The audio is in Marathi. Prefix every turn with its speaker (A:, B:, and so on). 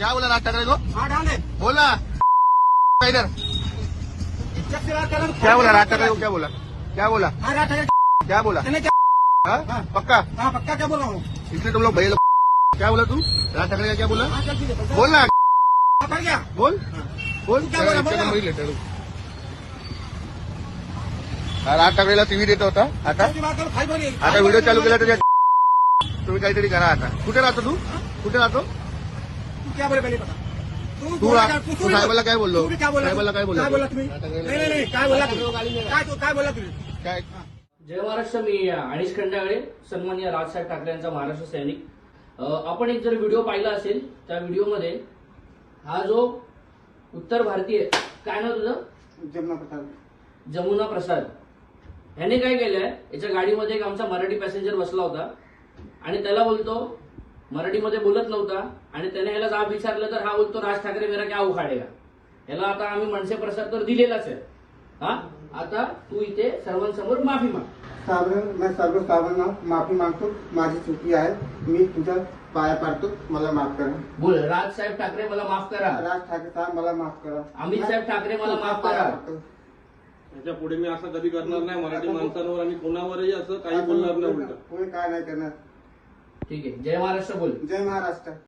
A: क्या बोला राज ठाकरे को?
B: हाँ डाल दे।
A: बोला इधर
B: इज्जत से बात कर रहा हूँ।
A: क्या बोला राज ठाकरे को? क्या बोला? क्या बोला?
B: हाँ राज ठाकरे
A: क्या बोला?
B: मैंने क्या?
A: हाँ? पक्का
B: हाँ पक्का क्या बोल रहा हूँ?
A: इसलिए तुम लोग भैया लोग क्या बोला? तू राज ठाकरे का क्या बोला?
B: हाँ चल ठीक है।
A: बोल ना,
B: पकड़ गया।
A: बोल बोल.
B: क्या बोला? बोला.
A: वही लेटर राज ठाकरेला टीव्ही देत होता. आता
B: इज्जत से बात करो, खाई बोली.
A: आता व्हिडिओ चालू केला तर तुम्ही काहीतरी करा. आता कुठे राहतो तू? कुठे राहतो?
B: तू क्या बोले पहले बता.
A: तू साहेबाला काय बोललो?
B: तू भी क्या बोला?
A: साहेबाला काय बोललो?
B: काय बोला तुम्ही? नाही काय बोला तुम्ही? काय बोला तुम्ही?
A: काय?
C: जय महाराष्ट्र. मी अनिश खंडागळे, सन्माननीय राजसाहेब ठाकरे यांचा महाराष्ट्र सैनिक. आपण एक जर व्हिडिओ पाहिला असेल त्या व्हिडिओमध्ये हा जो उत्तर भारतीय, काय नाव तुझं? जमुना प्रसाद ह्याने काय केलंय, याच्या गाडीमध्ये एक आमचा मराठी पॅसेंजर बसला होता आणि त्याला बोलतो, मराठीमध्ये बोलत नव्हता आणि त्याने ह्याला जाब विचारलं तर हा बोलतो राज ठाकरे मेरा क्या उखाडेगा. ह्याला आता आम्ही मनसे प्रसाद तर दिलेलाच आहे. हा आता तू इथे सर्वांसमोर माफी माग.
D: साहेब मैं सर्व साहेबांना माफी मागतो. माझी चुकी आहे. मी तुझ्या पाया पाडतो. मला माफ करा.
C: बोल, राज साहेब ठाकरे मला माफ करा.
D: राज ठाकरे साहेब मला माफ करा.
C: अमित साहेब ठाकरे मला माफ करा.
E: याच्या पुढे मी असं कधी करणार नाही. मराठी माणसांवर आणि कोणावरही असं काही बोलणार नाही. उलट
D: पुढे काय नाही करणार.
C: ठीक आहे. जय महाराष्ट्र बोल.
D: जय महाराष्ट्र.